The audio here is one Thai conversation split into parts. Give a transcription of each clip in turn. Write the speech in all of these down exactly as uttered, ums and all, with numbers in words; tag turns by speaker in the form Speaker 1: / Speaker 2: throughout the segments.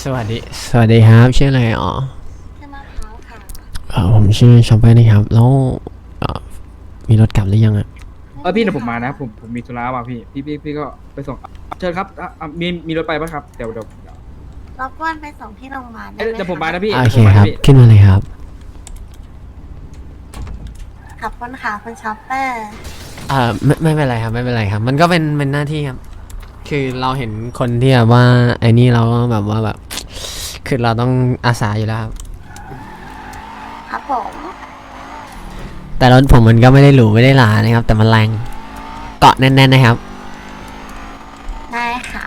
Speaker 1: สวัสดีสวัสดีครับชื่ออะไรอ๋อ
Speaker 2: ชื่อมะพร้าวค่ะ
Speaker 1: เออผมชื่อชอปเปอร์นะครับแล้วเอ่อมีรถกลับหรือยังอ่ะ
Speaker 3: เออพี่เดี๋ยวผมมานะผมผมมีธุระว่ะพี่พี่พี่พี่ก็ไปส่งเชิญครับอ่ะอ่ะมีมีรถไปปะครับเดี๋ยวเดี๋ยวเดี๋ยว
Speaker 2: รบกวนไปส่งที่โรงพยาบาลได้
Speaker 3: เอ้ย
Speaker 2: ไหม
Speaker 3: เดี๋ยวผมมา
Speaker 2: คะ
Speaker 3: นะพี่
Speaker 1: โอเค
Speaker 3: ผมมา
Speaker 1: ค
Speaker 3: นะ
Speaker 1: รับ
Speaker 3: พี่
Speaker 1: ขึ้นมาเลยครับ
Speaker 2: ขับคนขาคุณช็อปเปอร์
Speaker 1: เอ่อไม่ไม่เป็นไรครับไม่เป็นไรครับ มันก็เป็นเป็นหน้าที่ครับ คือเราเห็นคนที่แบบว่าไอ้นี่เราก็แบบว่าแบบคือเราต้องอาสาอยู่แล้วครับ
Speaker 2: ครับผม
Speaker 1: แต่รถผมมันก็ไม่ได้หรูไม่ได้หรานะครับ แต่มันแรงเกาะแน่นๆนะครับ
Speaker 2: ได้ค่ะ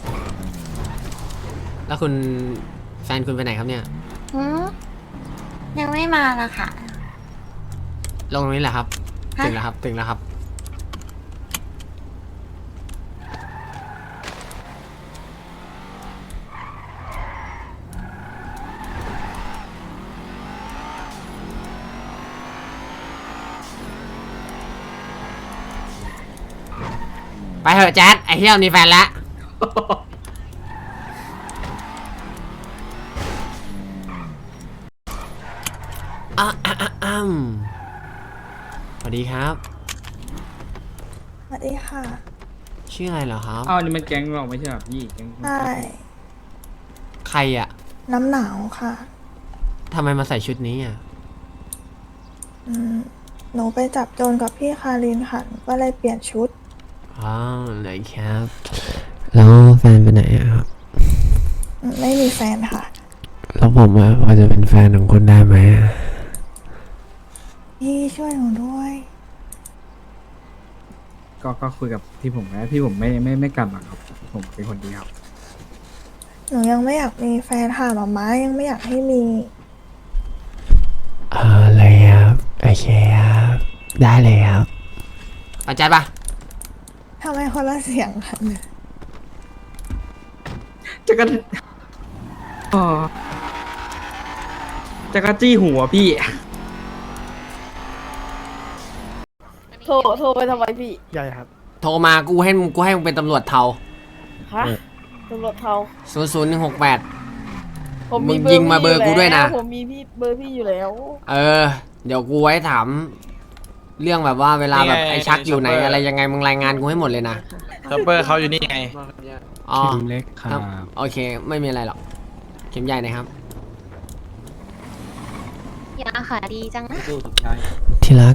Speaker 1: แล้วคุณแฟนคุณไปไหนครับเนี่ย
Speaker 2: หืมยังไม่มานะคะ
Speaker 1: ลงตรงนี้แหละครับ
Speaker 2: ฮะ
Speaker 1: ถึงแล้วครับถึงแล้วครับไปเถอะแจ๊ดไอ้เที่ยวมีแฟนแล้ว อ่ะอ่ะอ่ะอ่ะสวัสดีครับ
Speaker 4: สวัสดีค่ะ
Speaker 1: ชื่ออะไรเหรอครับ
Speaker 3: อ้าวนี่มันแก๊งเราไม่ใช่เหรอพี่แก๊ง
Speaker 4: ใช่
Speaker 1: ใครอ่ะ
Speaker 4: น้ำหนาวค่ะ
Speaker 1: ทำไมมาใส่ชุดนี้อ่ะ
Speaker 4: อืมหนูไปจับโจรกับพี่คารินค่ะหนูก็เลยเปลี่ยนชุด
Speaker 1: อ๋อเลยครับ แล้วแฟนไปไหนอะครับ
Speaker 4: อืมไม่มีแฟนค่ะ
Speaker 1: แล้วผมอะพอจะเป็นแฟนของคุณได้ไหมอะ
Speaker 4: พี่ช่วยหนูด้วย
Speaker 3: ก็ก็คุยกับที่ผมนะที่ผมไม่ไม่ไม่กลับหรอกครับผมเป็นคนดีครับ
Speaker 4: หนูยังไม่อยากมีแฟนค่ะหมาม้ายังไม่อยากให้มี
Speaker 1: อ๋อเลยครับโอเคครับได้เลยครับอาจารย์ปะ
Speaker 4: ทำไมคนละเสียงกันเนี่ย
Speaker 3: จะกันอ๋อจะกระจี้หัวพี่
Speaker 5: โทรโทรไปทำไมพี่
Speaker 6: ใหญ่ครับ
Speaker 1: โทรมากูให้มึงกูให้มึงเป็นตำรวจเทา
Speaker 5: ฮะตำรวจเทา
Speaker 1: ศูนย์ศูนย์หนึ่งหกแปด
Speaker 5: ผมมี
Speaker 1: มึง
Speaker 5: เบอร์
Speaker 1: ยิงมา
Speaker 5: พี่
Speaker 1: เบอร์กูด้วยนะ
Speaker 5: ผมมีพี่เบอร์พี่อยู่แล้ว
Speaker 1: เออ เดี๋ยวกูไว้ถาม เรื่องแบบว่าเวลาแบบ
Speaker 7: นี่ไง
Speaker 1: ไอ้ชักอยู่ไหน
Speaker 7: ช็อปเปอร์
Speaker 1: อะไรยังไงมึงรายงานกูให้หมดเลยนะ
Speaker 7: ซัปเปอร์เขาอยู่นี่ไง
Speaker 1: อ๋อ
Speaker 6: คิมเล็กครับ
Speaker 1: ครับโอเค ไม่มีอะไรหรอกเข็มใหญ่นะครับ
Speaker 2: ยาขาดีจังนะ
Speaker 1: ที่รัก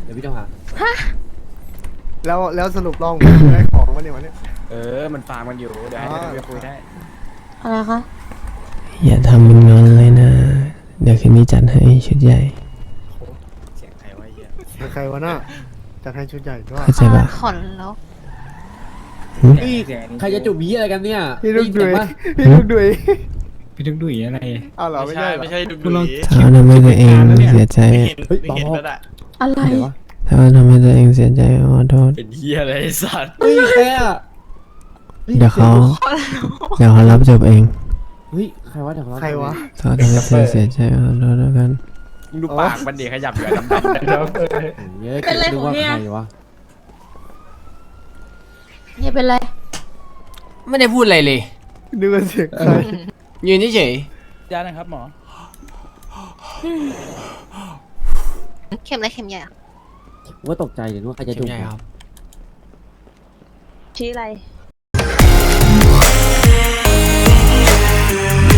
Speaker 6: แล้วแล้วสรุปลองได้ของวันนี้วันนี้
Speaker 7: เออ มันฟาร์มกันอยู่ เดี๋ยวให้
Speaker 6: อ๋อ
Speaker 7: เดี๋ยวคุยได้
Speaker 2: อะไรคะ
Speaker 1: อย่าทำมึงงอนเลยนะ เดี๋ยวคืนนี้จัดให้ชุดใหญ่
Speaker 7: เสียงใครวะไอ้เหี้ย
Speaker 6: เป็นใครวะน่ะจะให้ชุดใหญ่ด้วย
Speaker 1: เข้าใจปะ
Speaker 2: ขนแล้ว
Speaker 3: นี่เสียง
Speaker 8: ใครจะจูบบี้อะไรกันเนี่ย
Speaker 6: พี่ลูกดุย
Speaker 8: ได้ยินเสีงปะ
Speaker 6: พี่ลูกดุย
Speaker 3: พี่ทุกดุยอะไร
Speaker 6: อ้าวเหรอ
Speaker 7: ไม่
Speaker 6: ไม่
Speaker 7: ใช่
Speaker 6: ใช่เหรอ
Speaker 7: ไม่ใช่ดู
Speaker 3: คุณลอง
Speaker 7: ดี
Speaker 1: ถ้าทำให้ตัวเองเสียใจ
Speaker 7: ไม่เห็นไม่เห็นแล้วอะ
Speaker 5: อะไร
Speaker 8: เดี๋ยววะ
Speaker 1: ถ้าทำให้ตัวเองเสียใจขอโทษ
Speaker 7: เป็นเหี้ยอะไรไอ้สัตว์
Speaker 8: เฮ้ยใครอ่ะ
Speaker 1: เดี๋ยวเขาเดี๋ยวเขารับจบเอง
Speaker 8: เฮ้ยใครวะเดี๋ยวเขา
Speaker 6: ใครวะ
Speaker 1: เขาทำให้เธอเสียใจขอโทษแล้วกัน
Speaker 7: มึงดูปากมันดีขยับอยู่ดำๆนะครับ
Speaker 8: เฮ้ยเป็นไรของเนี่ยใครวะ
Speaker 2: เนี่ยเป็นไร
Speaker 1: ไม่ได้พูดอะไรเลย
Speaker 6: นึกว่าเสียงใคร
Speaker 1: ยืนเฉย
Speaker 7: ยานะครับหมอ
Speaker 2: เข็มอะไรเข็มใหญ่อะ
Speaker 8: ผมว่าตกใจเดี๋ยวว่าใคร
Speaker 1: ๆ
Speaker 8: จะ
Speaker 1: เข็
Speaker 8: จู
Speaker 1: ม
Speaker 8: บ
Speaker 1: ใหญ่ครับ
Speaker 5: ชี้อะไร